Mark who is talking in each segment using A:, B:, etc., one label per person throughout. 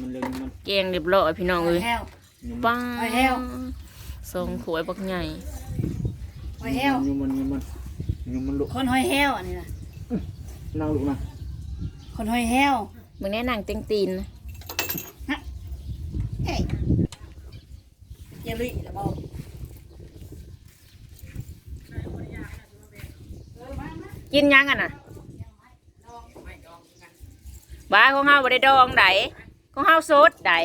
A: มันเรื่องมัน
B: แกงเรียบร้อยพี่น้องเอ้ย
C: แห้ว
B: ป้า
C: หอยแห้ว
B: ทรงขวยบักใหญ่
C: หอยแห้ว
A: ยุ่มันลุก
C: คนหอยแห้วอันนี้นะ
A: นั่งลุกนะ
C: คนหอยแห้ว
B: มึงแน่นางเต็งตีนนะ
C: เอ้ยเยลิละบอก
B: กินยังกันน่ะบ้าของเฮาบ่ได้ดองไดของเฮาสดได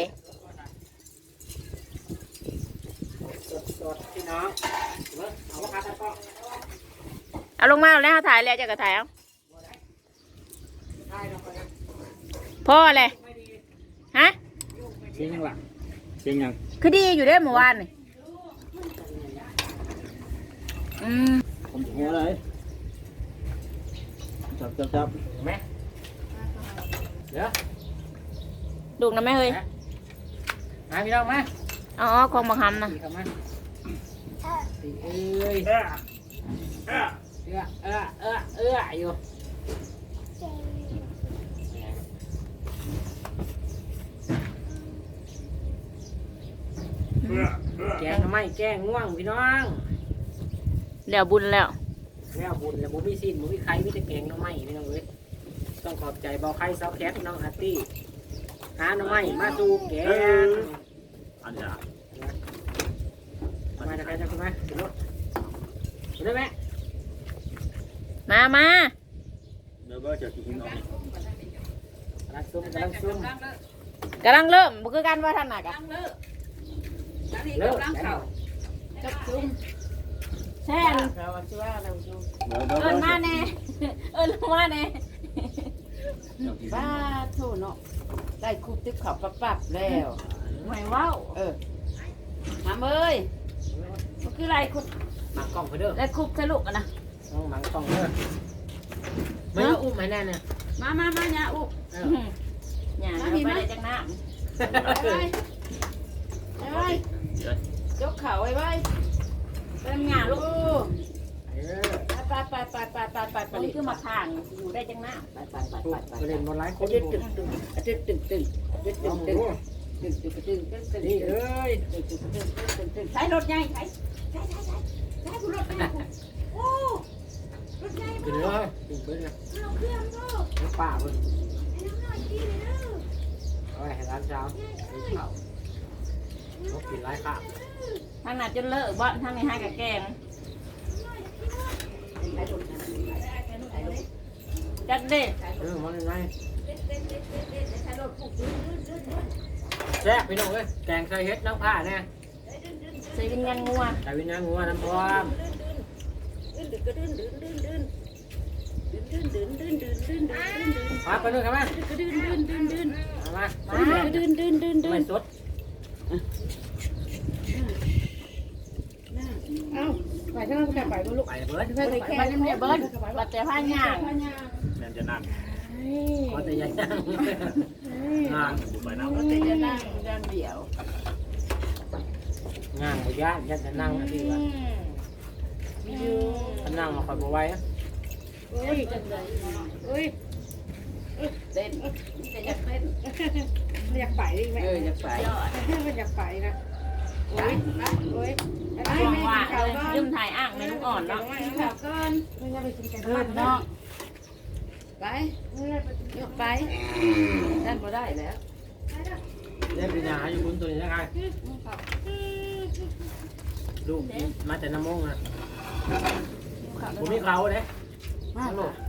A: สดพี่น้องเอาว่าครับก็
B: เอาลงมาแล้วถ่ายแล้วจะก็ถ่ายเอาพ่อเลยฮะ
A: เสียงยังหลังเสียงยัง
B: คือดีอยู่เด้อเมื่อวานนี่อืม
A: ผมหัวเลยจับแม่เดี๋ยว
B: ดูกนะแม่เฮ้ย
A: มาพี่น้องมา
B: อ๋อของบังคำนะ
A: ตีเข้ามาตีเอ้ยอยู่แกงทำไมแกงง่วงพี่น้อง
B: แล้วบุญแล้ว
A: แล้วบุญแล้วบุญมีสิ้นบุญมีใครมีแต่แกงน้องไม้พี่น้องเอ้ยต้องขอบใจเบาไข่ซอแคทน้องอาร์ตี้หาน้องไม้มาดูแกงอันนี้มาจะใครจะคุณไหมเดี๋ยวรถได้ไหม
B: มา
A: เดี๋ยวก็จะกินออกกำลังซุ่มกำลังซุ่ม
B: กำลังเริ่มบุคือกันว่าท่านหนักอะ
A: เริ่ม
C: จับจุ่ม
B: แช่นเอิญมาแน่เอิญมาแน่
D: บ้าโทษเนาะได้คุบติ๊บเขาปรับแล้ว
B: หวยว้าว
D: หามเอ้ยมันคืออะไรคุบ
A: หมักกล้องไปเด้อ
B: แล้วคุบทะลุกันนะ
A: ต้องหมักกล้องเด้อไม่ต้องอุ้มให้แน่เนี่ย
D: มาเนี่ยอุ๊บ
B: อย่าไปได้จังน้
D: ไปยกเข่าไว้ไว้
B: ำเป็นหยาลูก
D: ไป
B: ตรงนี้คือมาทางอยู่ได้จังน้ำ
D: ไป
A: ไปเล่นบอลไลน์คน
D: ตึ๊
A: ญี่
D: ด
A: ปุ่น
D: นี่เอ้ยใช้รถใหญ่ใช้ผู้รถใหญ่โอ้รถใหญ่
A: กินเลยกินไปเลย
D: เราเครื่องก็
A: น้ำป่าเลย
D: ไอ้น้ำหน่อยกินเลยเด้อ
A: เอาไว้ให้ร้านเช้ากินข้าวเขากินไรข้าว
B: ทางนั้นจนเลอะบ่ทางนี้ให้กับแกงจัดเด้
A: มันยังไงแซ่บพี่น้องเอ้ยแกงใส่เฮ็ดน้ำผ้าเนี่ย
B: ใส่วิญญาณงัว
A: ใส่วิญญาณงัวน้ำพร้อมมาไปดูกันไหมมาไม่สด
D: เอ้าไปทางนั้นไปลูก
A: ไปเบิร์ด
B: ไปน้ำเนี่ยเบิ้ลบัดแต่ผ้าหยาง
A: แม่จะนั่งก็จะยังนั่งไปนั่ง
D: ก็จะนั่งด้านเดียว
A: นั่งไปย่านจะนั่งนะพี่วะนั่งมาคอยบ่ไหว
D: โอ้ยจังเลยโอ้ยเต้นจะอยากเต้นอยากไปดิแม่อยากไปมันอยากไปนะโอ้ยโอ้ย
B: หวังว่าลืมถ่ายอ่างในลูกอ่อนเนาะ
D: ข่าวก่อนไม่ได้ไปกินกันเนาะไปยกไปนั่นบ่ได้แล้ว
A: เล่นปัญญาอยู่บนตัวนี้ยังไงลูกมาแต่น้ำมงอ่ะผมมีเขาเลย
D: มาโหลด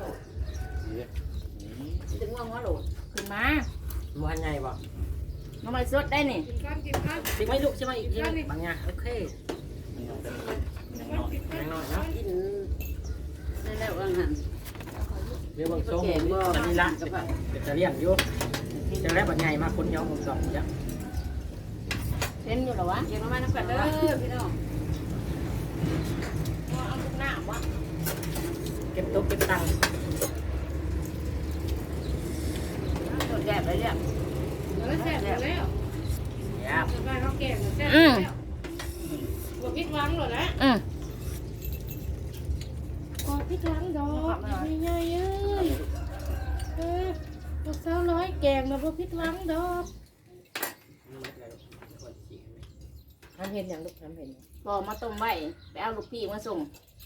B: ถึงว่าหัวโหลดขึ้นมา
A: มันใหญ่บ่
B: น้ำมันสดได้นี่
A: สิไม่ลูกใช่ไหมอีกทีบางอย่างโอเคยังน้อยนะ
D: กินได้แล้วว่างั้น
A: เรียกว่าทรงอันนี้ละจะเลี้ยงอยู่จะได้บัดใหญ่มาคนย้อมผมสองจ้ะ
B: เล่นอยู่หรอวะ
D: เก็บมาน้ำกันเด้อพี่น้อง
B: เอาทุกหน้าวะ
A: เก็บตุ๊กเก็บตังค์
D: โดดแดดเลยเนี่ยแล้วแซ่บแล้ว
A: เนี่ย
D: สบายเขาแก่แซ่บแล้วบวกพริกล้างหรอนะบวกพริกล้างดอกใหญ่ๆลูกสาวน้อยแกงมาบวกพริกล้างดอกทำเห็นอย่างลูกทำเห็น
B: พอมาต้มไว้ไปเอาลูกพี่มาส่ง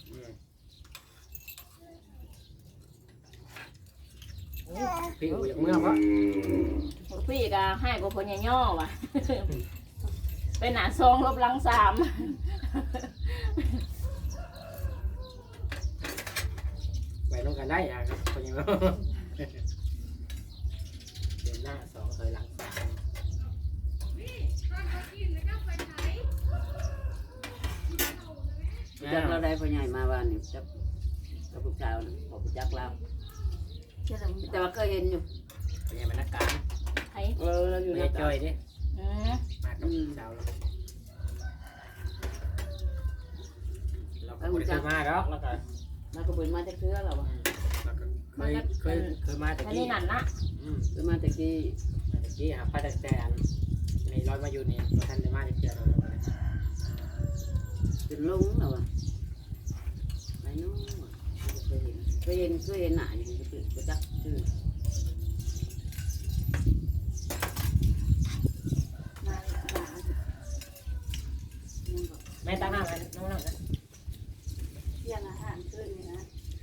A: พี่อูอย่างเมื่อวะ
B: ลูกพี่ก็ให้กับคนย่อว่ะ ไปหนาซองลบหลังสาม
A: ไปลงกันได้อะครับคนยังเดินหน้า2ถอยหลัง3
E: จักเราได้พ่อใหญ่มาบ้านนี่จักกับลูกสาวนะบอกจักเราแต่ว่าเคยเห็นอยู่
A: เป็นยังไงนักการ
B: ไอ้
E: เราอยู่
A: ไม่
E: ใน
A: จอยดิ
B: อืม
A: มากับสาวเราก็ไม่เคยมาหรอกแล้วก็
E: เราก็เปิดมาจากเทือเรา
A: เคยมาแต่
B: อัน
A: กี้
B: นี้นั่นนะ
E: เปิดมาจากที่
A: มาแต่กี้ครับพระแต่แต่ในร้อยมาอยู่นี่ท่านได้มาได้เจอเรา
E: เป็นลุงเราอะไปนู้นเคยเห็นหน้าอยู่ก็จักชื่อ
A: แม่ตั้งหน้าไว้น้องนั่งกัน
C: เที่ยงอาหารขึ้นนี่นะ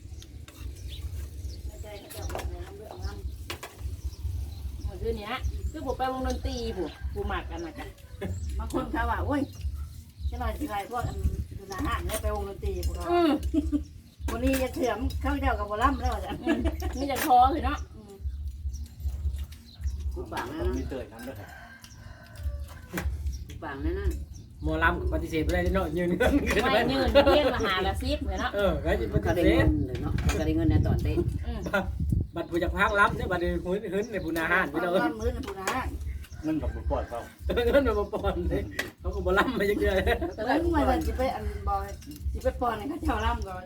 C: ไม่ใจเขาจะบอกอะไรเรื่องนั้น
B: เมื่อคืนนี้คือผมไปวงดนตรีผู้หมักกันนะจ๊ะ
C: บางคนเขาว่าโอ้ยจะหน่อยสิไรพวกอันดูอาหารเนี่ยไปวงดนตรีพวกเรา
B: อืม
C: วันนี้จะเถื่อมเข้าเจ้ากับบอลลัมแล้วจ้ะ
B: นี่จะคอคือเนาะ
E: ผู้ปัง
F: ต้
E: นั่
F: อง
E: น
F: มีเตยทำด้วยครับ
E: ผู้ปังนั่น
A: หมอลำปฏิเสธไม่ได้เนาะยืนเงิน
B: ไม่ยืนเพี้ยนมาหาละซิบเลยเนาะ
A: ก็จะป
E: เขา
A: ฏิ
E: ได้
A: เส
E: เงิ
A: ธ
E: นเลยเนาะเขาได้เงินในตอนเต้น
B: อืม
A: บัตรผู้จักพักรับเนี่ยบัตรหื้นในผู้นาหารไปเลย
C: ตอนมื้อนะพูนะ
F: เงินกับบุปผาเขา
A: เงินมาปอนเลยเขาก็บ่ล่ำมาจังเดือน
C: เมื่อมาจะไปอันบอยจะไปปอนให้เขาเจ้าล่ำก่อน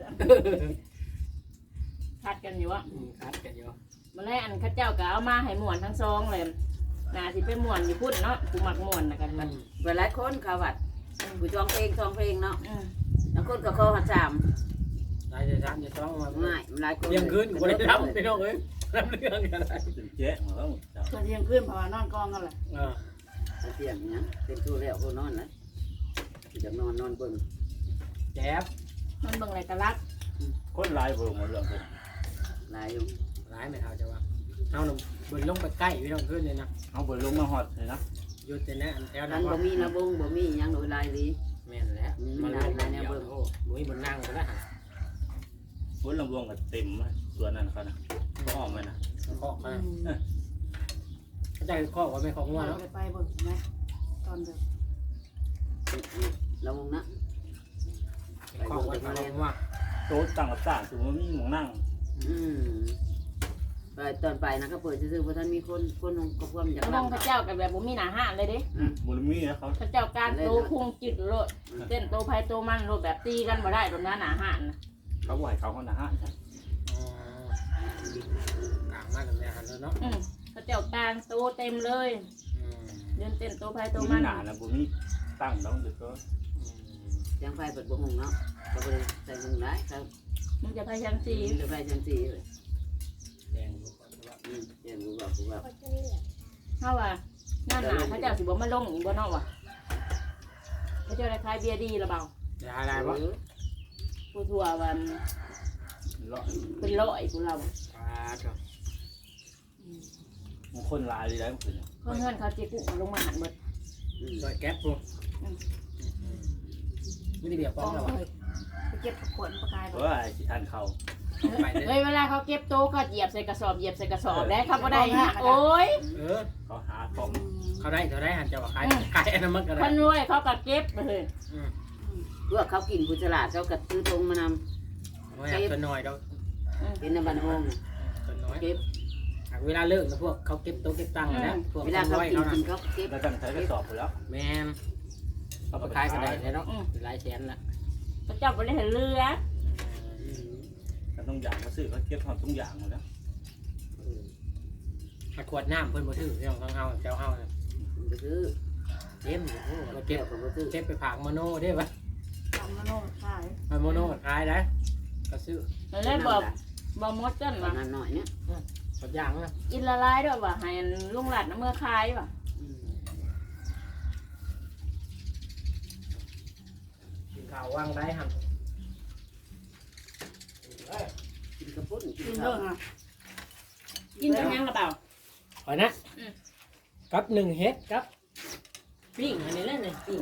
B: ทัดกันอยู่อ่ะ
A: คัดกันอยู่
B: มาแรกอันข้าเจ้าก็เอามาให้หมวนทั้งซองเลยน่าสิเป็นหมวนอยู่พุ่นเนาะผู้หมักหมวนนะกันมัน
E: เวลาคนเขาวัดผู้จองเพลงเนาะ
B: อืม
E: แล้วคนก็เข้าหัดสาม
A: รายจะซ้ำจะต้องมา
E: ง่ายหลายคน
A: เที่ยงคืนกูได้รับพี่น้องเอ้ยรับเรื่องกันอะไร
F: เป็นเจ๊ของเขาเจ้า
C: ส่วนเที่ยงขึ้นเพราะว่านอนกองกันแหละ
E: เที่ยงเนี่ยเป็นตู้แล้วก็นอนนะจะนอนเบิ่ง
A: แจ๊บ
B: มันเบิ่งอะไรกันลัก
F: คนลายเบิ่งหมดเรื่องเลย
E: หลายอยู่
A: ร้ายไม่เท่าจะว่าเอาหนุ่มเบิ่งลงไปใกล้พี่น้องขึ้นเลยนะ
F: เอาเบิ่งลงมาหอดเลยนะ
A: ยุดแต่นะอันแถว
E: นั้
A: นั้น น
E: บ่มีระบงบ่มียังโดยลายดี
A: แม่นแล้วมันลงในเบิ่งโอ้บุ้ยบนนั่งไปแล้วฮะ
F: บนลำวงกับเต็มส่วนนั้นเขานะก็ออกมานะ
A: เคาะมาได้เคาะว่าไม่เคาะงัว
C: เรา
A: เนาะ
C: ไปเบิ่งไหมตอนเด็ก
E: ระวงนะ
A: เคาะว่าเคาะงัว
F: โต๊ะตั้งกับต่างถึงมันมีหมองนั่ง
E: ไปตอนไปนะก็เปิดซื่อๆเพราะท่านมีคนลงก็พ่วมจาก
B: น้องข้าเจ้ากับแบบบ่มีหน้าห้านเลยเด้
F: บุญมีนะเขา
B: ข้าเจ้าการโตคุงจิตโลดเต้นโตไผโตมันโลดแบบตีกันบ่ได้ตรงนั้นหน้าห้านนะ
F: เขาไหวเขาคนละห้า
A: กลางมาแบบนี้หันแล้วเนาะ
B: ข้าเจ้าการโตเต็มเลยเดินเต้นโตไผโต
F: บุญ
B: มัน
F: หนานะบุญมีตั้งต้องดึกก็
E: ยังไฟเปิดบ่หงเนาะก็เลยใส่หงได้ครับ
B: มึงจะพยายามสี
E: เดี๋ยวไฟจังสีเลย
A: แดง
E: เดี๋ยวกูบอก
B: เฮาว่าหน้าหนาข้าเจ้าสิบ่มาลงอีกบ่เนาะว่ะข้าเจ้าได้ขายเบียร์ดีหรือเปล่า
A: จะอะไรวะ
B: ผู้ทั่วว่า
F: เลาะ
B: เป็นร้อยผู้เรา
A: ปลาจ้ะ
F: บางคนลายเลยได้เมื่อคืน
B: เพื่อนเขาเจ๊กุ้งลงมาหันหมด
A: ซอยแก๊ปปูไม่ได้เบียร์ป้องหรอวะ
C: ไปเก็บขวดประกาย
F: เพ
C: บ่
F: ราะว่าไอ้ทันเขา
A: ไปเลย
B: เฮ้ยเวลาเขาเก็บโต๊ะเขาเหยียบใส่กระสอบแล้วเขาบ่ได้ฮะโอ้ย
F: เขาหาของ
A: เขาได้หันจะว่าขายอันนั้นมันก็ได้
B: คนรวยเขาก็เก็บเลย
E: พวกเขากินผู้ฉลาดเขากัดซื้อทงมานำ
A: ไม่อยากตัวน้อยเรา
E: เป็นในบ้านห้อง
A: ตัวน้อย
E: เก็บ
A: เวลาเลิกนะพวกเขาเก็บโต๊ะเก็บตังค์นะพวก
E: เวลาเขา
A: น้อย
E: กิน
A: เขา
E: กิ
A: นะ
E: นเขาเก็บ
F: แล้วตั้งใช้กระสอบไปแล้ว
A: แม่เขาไปขายกันได้เลยเนาะหลายแสนละ
B: เขาเจ้าบ่ได้เห็นเรือ
F: ก็ต้องอย่างเขาซื้อเขาเก็บความต้องอย่างหมดแล้ว
A: ขวดน้ำเพิ่นบ่ถือเรื่องของเฮาเจ้าเฮา
E: ไปซื้อ
A: เต็มเรา
E: เก็
A: เก็
E: บบ ของเขาซื้อ
A: เก็บไปผากโมโน่ได้ปะ
C: ทำมาโน่ขาย
A: ไปโมโน่ขายได้ก็ซื้อ
B: แล้วบอกมดกัน
E: ป
B: ว่า
E: ระมาณหน่อยเนี่ย
A: สักอย่างนะ
B: อินละลายด้วยว่าให้ลุงหลัดน้ำเมื่อคายว่ะ
A: ข่าวว่างได้ครับ
E: กินกระปุ้นกิ
C: กิ
E: น
C: น
E: ข้า
C: เด้
E: ว
C: อฮะ
B: กินกับยังกระเป๋า
A: ขอนะกับ1 เฮ็ดครับปิ้งอันนี้แหละนี่ปิ้ง